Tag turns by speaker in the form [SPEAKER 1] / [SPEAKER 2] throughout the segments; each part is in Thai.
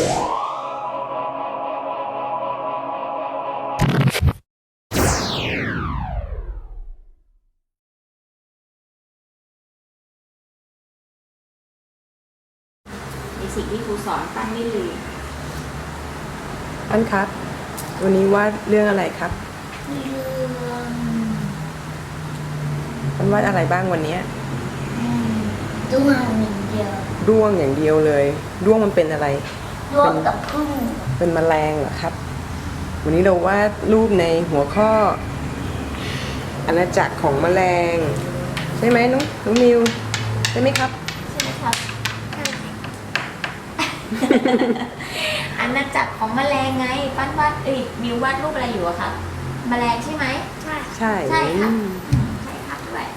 [SPEAKER 1] สิ่งที่ครูสอนปั้นไม่ลืม
[SPEAKER 2] ปั้นครับวันนี้วาดเรื่องอะไรครับปั้นวาดอะไรบ้างวันนี้
[SPEAKER 3] ด้วงอย่างเดียว
[SPEAKER 2] ด้วงอย่างเดียวเลยด้วงมันเป็นอะไร
[SPEAKER 3] ด้วงกับผึ้ง
[SPEAKER 2] เป็นแมลงเหรอครับวันนี้เราวาดรูปในหัวข้ออาณาจักรของแมลงใช่ไหมน้องมิวใช่ไหมครับ
[SPEAKER 3] ใช่ไหมครับ
[SPEAKER 1] อาณาจักรของแมลงไงปั้นวาดมิววาดรูปอะไรอยู่อะครับแมลงใช่ไหม
[SPEAKER 3] ใช่
[SPEAKER 2] ใช่
[SPEAKER 1] ใช่ครับใช่ครับด้วย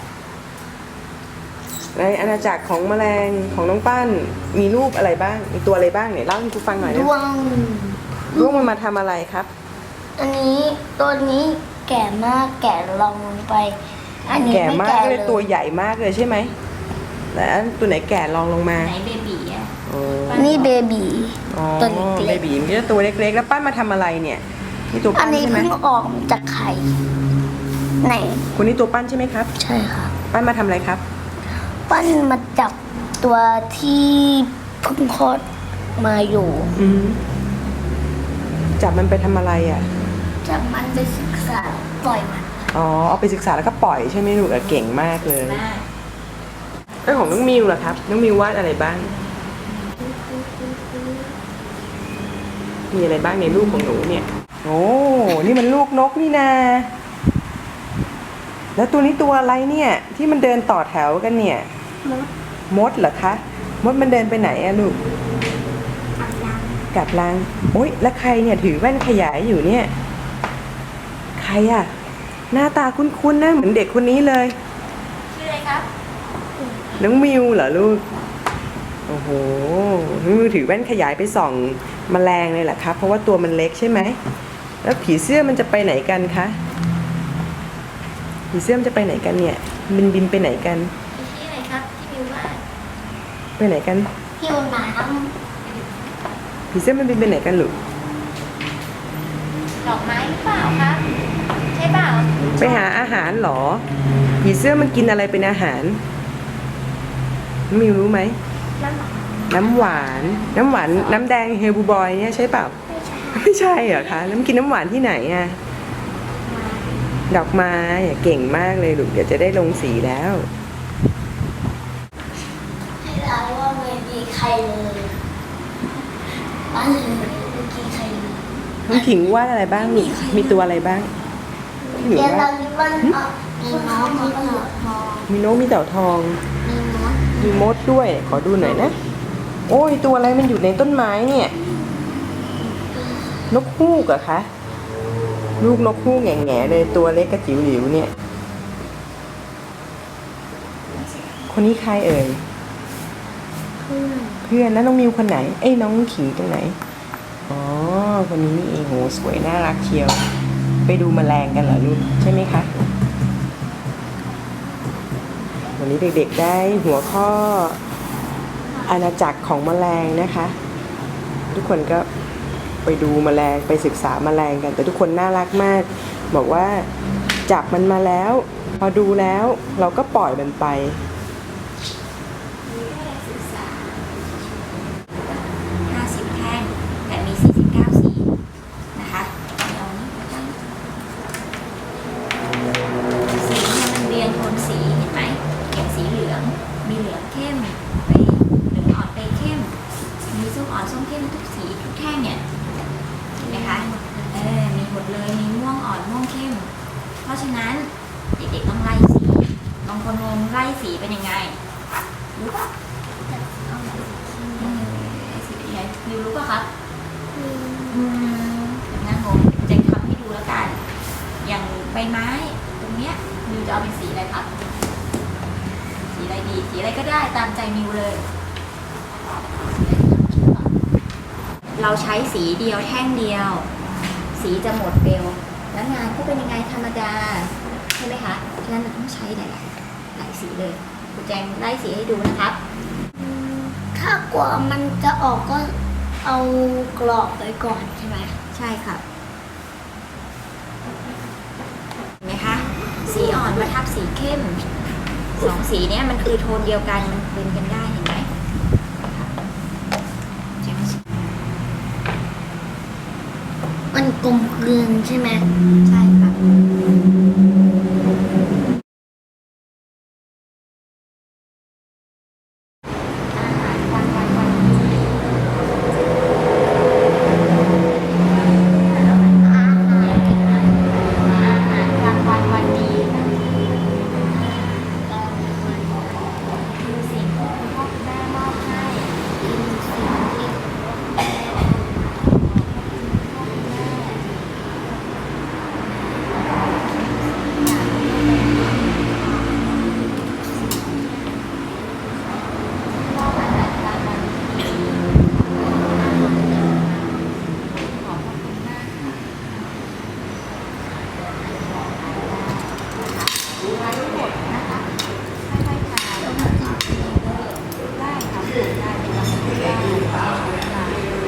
[SPEAKER 2] ในอาณาจักรของแมลงของน้องปั้นมีรูปอะไรบ้างมีตัวอะไรบ้างเนี่ยเล่าให้ครูฟังหน่อยนะด้วงมันมาทำอะไรครับ
[SPEAKER 3] อันนี้ตัวนี้แก่มากแก่ลงไปอันนี้
[SPEAKER 2] แก่มาก
[SPEAKER 3] ไม่
[SPEAKER 2] เลยตัวใหญ่มากเลยใช่ไหมแล้วตัวไหนแก่ลองลงมา
[SPEAKER 1] ไหนเบบีอะ
[SPEAKER 3] นี่เบบี
[SPEAKER 2] ตัวเล็กๆเบบีมันจะตัวเล็กๆแล้วปั้นมาทำอะไรเนี่ยนี่ตัวปั้นใช่ไหม
[SPEAKER 3] อันนี้เพิ่งออกจากไข่ไหน
[SPEAKER 2] คนนี้ตัวปั้นใช่ไหมครับ
[SPEAKER 3] ใช่ค่ะ
[SPEAKER 2] ปั้นมาทำอะไรครับ
[SPEAKER 3] ปั้นมาจับตัวที่เพิ่งคลอดมาอยู่
[SPEAKER 2] จับมันไปทำอะไรอ่ะ
[SPEAKER 3] จับมันไปศึกษาปล่อยมัน
[SPEAKER 2] อ๋อเอาไปศึกษาแล้วก็ปล่อยใช่ไหมลูกเก่งมากเลยแล้วของน้องมิวล่ะครับน้องมิววาดอะไรบ้างมีอะไรบ้างในรูปของหนูเนี่ยโอ้นี่มันลูกนกนี่นาแล้วตัวนี้ตัวอะไรเนี่ยที่มันเดินต่อแถวกันเนี่ยมดเหรอคะมดมันเดินไปไหนอะลูกกลับรังโอ๊ยแล้วใครเนี่ยถือแว่นขยายอยู่เนี่ยใครอะหน้าตาคุ้นๆนะเหมือนเด็กคนนี้เลย
[SPEAKER 1] ชื่ออะไรครับ
[SPEAKER 2] น้องมิวเหรอลูกโอ้โหน้องมิวถือแว่นขยายไปส่องแมลงเลยแหละครับเพราะว่าตัวมันเล็กใช่ไหมแล้วผีเสื้อมันจะไปไหนกันคะผีเสื้อมันจะไปไหนกันเนี่ยบินไปไหนกัน
[SPEAKER 1] ชื่ออะไรครับที่มิวว่า
[SPEAKER 2] ไปไหนกัน
[SPEAKER 3] หิวน้
[SPEAKER 2] ผีเสื้อมันบินไปไหนกันลูก
[SPEAKER 1] ดอกไม้หรือเปล่าครับใช่เปล่า
[SPEAKER 2] ไปหาอาหารเหรอผีเสื้อมันกินอะไรเป็นอาหารมิวรู้ไหมน้ำหวานน้ำแดงเฮลบูบอยเนี่ยใช่เปล่าไม่ใช่เหรอคะแล้วมันกินน้ำหวานที่ไหนอะดอกไม้เก่งมากเลยลูกเดี๋ยวจะได้ลงสีแล้ว
[SPEAKER 3] ให้เราว่าไม่มีใครเลยบ้านเลยไม่มีใครเลย
[SPEAKER 2] น้องขิงวาดอะไรบ้างลูกมีตัวอะไรบ้าง
[SPEAKER 3] เดี๋ยวเรามีวันมีน้องมีเต่าทอง
[SPEAKER 2] มีนกมีเต่าทองมีมดด้วยขอดูหน่อยนะโอ้ยตัวอะไรมันอยู่ในต้นไม้เนี่ยนกฮูกเหรอคะลูกนกฮูกแง่ๆเลยตัวเล็กกระจิ๋วหลิวเนี่ยคนนี้ใครเอ่ยเพื่อนแล้วน้องมิวคนไหนเอ้ยน้องขิงตรงไหนอ๋อคนนี้นี่เองโหสวยน่ารักเชียวไปดูแมลงกันเหรอลูกใช่ไหมคะวันนี้เด็กๆได้หัวข้ออาณาจักรของแมลงนะคะทุกคนก็ไปดูแมลงไปศึกษาแมลงกันแต่ทุกคนน่ารักมากบอกว่าจับมันมาแล้วพอดูแล้วเราก็ปล่อยมันไป
[SPEAKER 1] 50แท่งแต่มี49สีนะคะสีมันเรียงโทนสีเห็นไหมอย่างสีเหลืองมีเหลืองเข้มไปเหลืองอ่อนไปเข้มมีส้มอ่อนส้มเข้มทุกสีทุกแท่งเนี่ยเห็นไหมคะมีหมดเลยมีม่วงอ่อนม่วงเข้มเพราะฉะนั้นเด็กๆต้องไล่สีบางคนงงไล่สีเป็นยังไงรู้ปะสีเป็นยังไงมิวรู้ปะครับอย่างนั้นผมจะทำให้ดูแล้วกันอย่างใบไม้ตรงเนี้ยมิวจะเอาเป็นสีอะไรครับสีอะไรดีสีอะไรก็ได้ตามใจมิวเลยเราใช้สีเดียวแท่งเดียวสีจะหมดเร็วแล้วงานก็เป็นยังไงธรรมดาใช่ไหมคะฉะนั้นเราต้องใช้หลายสีเลยคุณแจงไล่สีให้ดูนะครับ
[SPEAKER 3] ถ้ากว่ามันจะออกก็เอากรอบไว้ก่อนใช่ไหม
[SPEAKER 1] ใช่ครับเห็นไหมคะ สีอ่อนมาทับสีเข้มสองสีเนี้ยมันคือโทนเดียวกันมันเป็นกันได้เห็นไหมใช่ไหม
[SPEAKER 3] มันกลมกลืนใช่ไหม
[SPEAKER 1] ใช่ครับอาหารกลางวันวันนี้ อาหารกลางวันวันดีคือสิ่งที่คุณพ่อคุณแม่มอบให้คือสิ่งที่คุณพ่อคุณแม่มอบอาหารกลางวันดีขอบพระคุณมากค่ะทานทั้งหมดนะคะค่อยๆทานได้ค่ะปลูกได้เป็นลำพูได้ค่ะ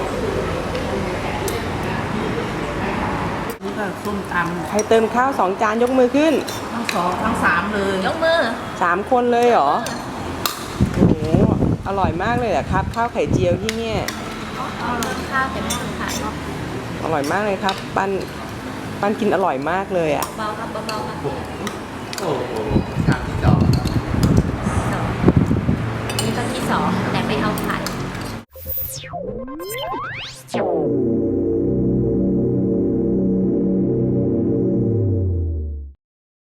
[SPEAKER 4] นี่ก็ส้มต
[SPEAKER 2] ใครเติมข้าว2 จานยกมือขึ้น
[SPEAKER 4] ำทั้งสองทั้งสามเลย
[SPEAKER 1] ยกมือ
[SPEAKER 2] 3 คนเลยเหรอ โอ้โห อร่อยมากเลยเหรอครับ ข้าวไข่เจียวที่เนี่ย
[SPEAKER 1] เอาข้าวแต่ไม่ต้องขาย
[SPEAKER 2] อร่อยมากเลยครับ ปั้นกินอร่อยมากเลยอ่ะ
[SPEAKER 1] เบาครับเบาๆครับ
[SPEAKER 4] โอ้โหสาม